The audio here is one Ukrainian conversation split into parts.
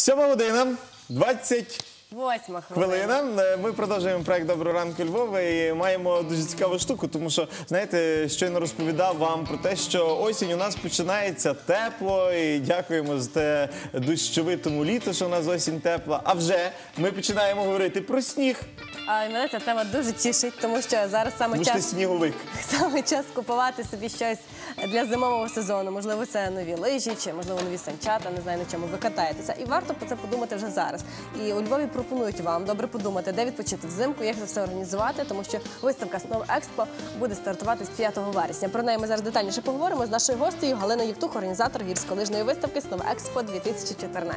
7 година, 20 8 хвилина. Ми продовжуємо проект «Доброго ранку, Львова» і маємо дуже цікаву штуку, тому що, знаєте, щойно розповідав вам про те, що осінь у нас починається тепло, і дякуємо за те дощовитому літу, що у нас осінь тепла. А вже ми починаємо говорити про сніг. А мене ця тема дуже тішить, тому що зараз Тому що ти сніговик. саме час купувати собі щось для зимового сезону. Можливо, це нові лижі, чи, можливо, нові санчата, не знаю, на чому ви катаєтеся. І варто про це подумати вже зараз. І у Львові пропонують вам добре подумати, де відпочити взимку, як це все організувати, тому що виставка «Snow Expo» буде стартувати з 5 вересня. Про неї ми зараз детальніше поговоримо з нашою гостею Галиною Євтух, організатор гірськолижної виставки «Snow Expo 2014».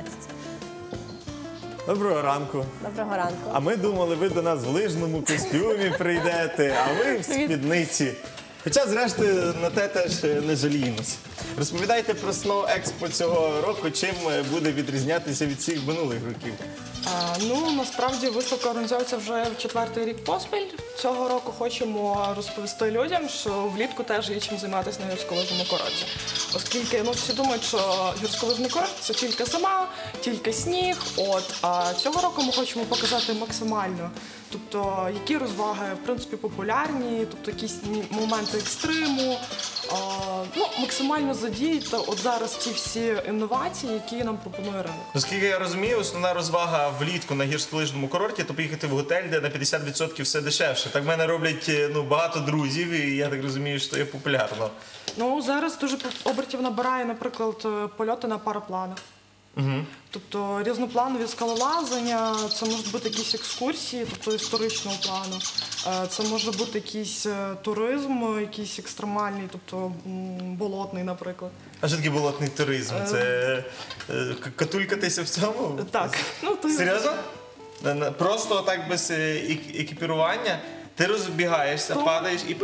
Доброго ранку. Доброго ранку. А ми думали, ви до нас в лижному костюмі прийдете, а ви в спідниці. Хоча, зрештою, на те теж не жаліємося. Розповідайте про Snow Expo цього року, чим буде відрізнятися від всіх минулих років. Насправді виставка організується вже в 4-й рік поспіль. Цього року хочемо розповісти людям, що влітку теж є чим займатися на гірськолижному курорті. Оскільки всі думають, що гірськолижний курорт – це тільки зима, тільки сніг. А цього року ми хочемо показати максимально, тобто які розваги в принципі популярні, тобто якісь моменти екстриму, максимально задіяти зараз ці всі інновації, які нам пропонує ринок. Оскільки я розумію, основна розвага влітку на гірськолижному курорті – то поїхати в готель, де на 50% все дешевше. Так в мене роблять багато друзів, і я так розумію, що є популярно. Зараз дуже обертів набирає, наприклад, польоти на парапланах. Тобто різнопланові скалолазання, це можуть бути якісь екскурсії, тобто історичного плану, це може бути якийсь туризм, якийсь екстремальний, тобто болотний, наприклад. А що таке болотний туризм? Це катулькатися в цьому? Так. Серйозно? Просто так без екіпірування? Ти розбігаєшся, падаєш і...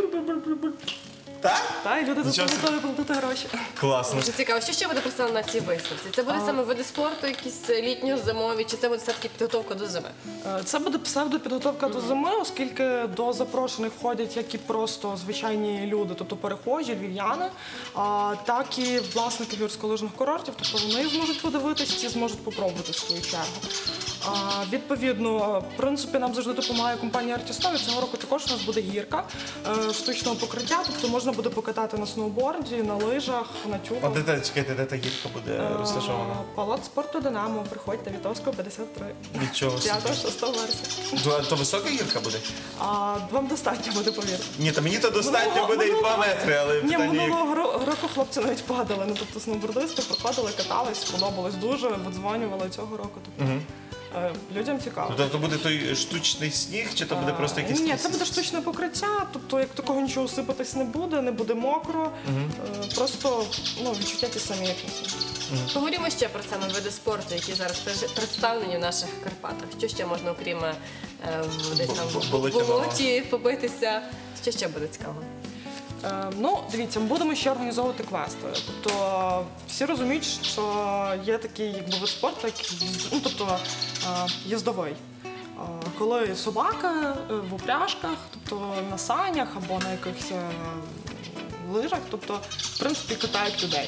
Так? Так, і люди за це готові платити гроші. Класно. Дуже цікаво, що ще буде представлено на цій виставці? Це будуть саме види спорту, якісь літньо-зимові, чи це буде все-таки підготовка до зими? Це буде псевдопідготовка до зими, оскільки до запрошених входять як і просто звичайні люди, тобто перехожі, львів'яни, так і власники гірськолижних курортів, тобто вони зможуть подивитись, ці зможуть попробувати в свою чергу. Відповідно, в принципі, нам завжди допомагає компанія Artisnow. Цього року також у нас буде гірка штучного покриття, тобто можна буде покатати на сноуборді, на лижах, на тюбах. Чекайте, де та гірка буде розташована? Палац спорту «Динамо», приходьте, Вітовського, 53. Від чого? 5-6 вересня. То висока гірка буде? Вам достатньо буде, повірте. Ні, то мені то достатньо буде і 2 метри, але Ні, питання... минулого року хлопці навіть падали, тобто сноубордисти приходили, катались, сподобалось дуже, видзвонювали цього року. Людям цікаво. Тобто буде той штучний сніг, чи то буде просто якийсь... Ні, це буде штучне покриття, тобто як такого нічого сипатись не буде мокро, просто відчуття ті самі, як на сніг. Поговоримо ще про саме види спорту, які зараз представлені в наших Карпатах. Що ще можна, окрім десь там в болоті побитися? Що ще буде цікаво? Дивіться, ми будемо ще організовувати квести. Тобто всі розуміють, що є такий вид спорту, як їздовий. Коли собака в упряжках, тобто на санях або на якихось лижах, тобто, в принципі, катають людей.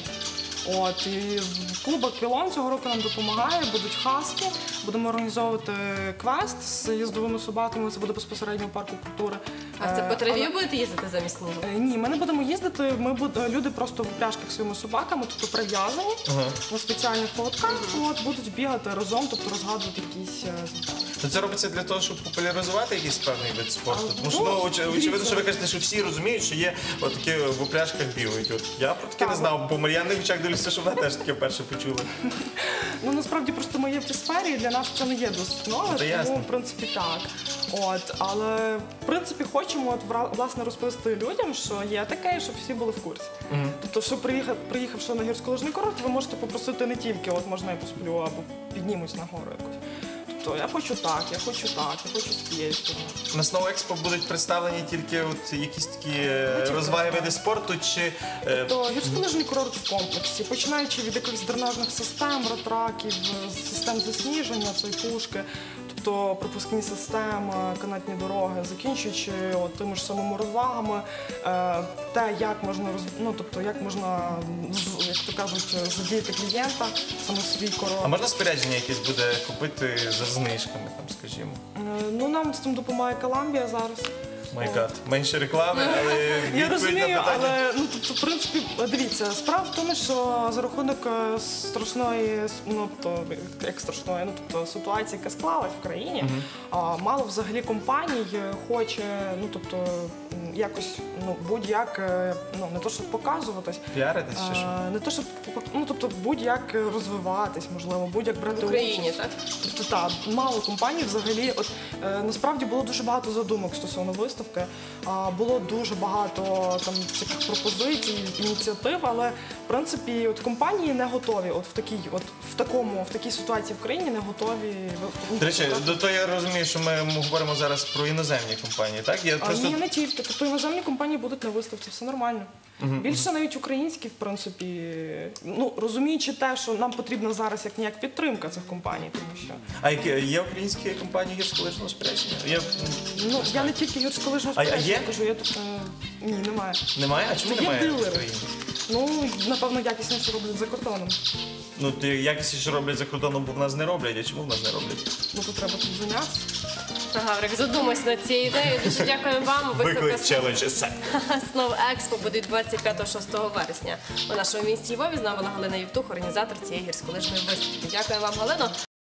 І клуб «Аквілон» цього року нам допомагає, будуть хаски, будемо організовувати квест з їздовими собаками, це буде безпосередньо в парку культури. А це по траві будете їздити замість снігу? Ні, ми не будемо їздити, люди просто в упряжках своїми собаками, тобто прив'язані на спеціальних поводках, будуть бігати разом, тобто розгадувати якісь завдання. Це робиться для того, щоб популяризувати якийсь певний вид спорту? Тому що, очевидно, що ви кажете, що всі розуміють, що є такі в упряжках бігають. Я про таке не знав, по Мар'яни Гучак дивлюся, що вона теж таке вперше почула. Насправді, просто ми є в цій сфері, і для нас це не є досить нове, тому, в принципі, так. Але, в принципі, хочемо, власне, розповісти людям, що є таке, щоб всі були в курсі. Тобто, що приїхавши на гірськолижний курорт, ви можете попросити не тільки, можна я посплю, або піднімусь на гору якось. Тобто, я хочу так, я хочу з цієї сторони. На Snow Expo будуть представлені тільки якісь такі розваги, види спорту, чи... Тобто, гірськолижний курорт в комплексі, починаючи від якихось дренажних систем, ратраків, систем засніження, пушки. то пропускні системи, канатні дороги, закінчуючи от тими ж самими розвагами, те, як можна як можна, як то кажуть, задіяти клієнта саме в свій А курорт. можна спорядження якесь буде купити за знижками, там, скажімо? Ну, нам з цим допомагає Коламбія зараз. Май гад. Менше реклами, але Я відповідь на розумію, питання. але в принципі, дивіться, справа в тому, що за рахунок страшної, ситуації, яка склалась в країні, мало взагалі компаній хоче, якось будь-як, не то щоб показуватись, Піаритись чи що? не то щоб будь-як розвиватись, можливо, будь-як брати В Україні, участь. так? Тобто, так, мало компаній взагалі. Насправді було дуже багато задумок стосовно виставки. Було дуже багато там таких пропозицій, ініціатив, але в принципі компанії не готові. В такій ситуації в країні не готові. До речі, то я розумію, що ми говоримо зараз про іноземні компанії, так? Я просто... Ні, не тільки. Тобто іноземні компанії будуть на виставці, все нормально. Більше навіть українські, в принципі, розуміючи те, що нам потрібна зараз як ніяк підтримка цих компаній, тому що А є українські компанії гірськолижного спорядження? я не тільки гірськолижного А є? спорядження кажу, я тут ні, немає. Немає? А чому Є немає в дилери. Україні? Напевно, якісніше роблять за кордоном. Якісніше роблять за кордоном, бо в нас не роблять. А чому в нас не роблять? Тут треба тут зайнятися. Гаврик, задумайся над цією ідеєю. Дуже дякуємо вам. Виклик челендж. Снов Експо буде 25-6 вересня у нашому місті Львові. З нами була Галина Євтух, організатор цієї гірськолижної виставки. Дякую вам, Галино.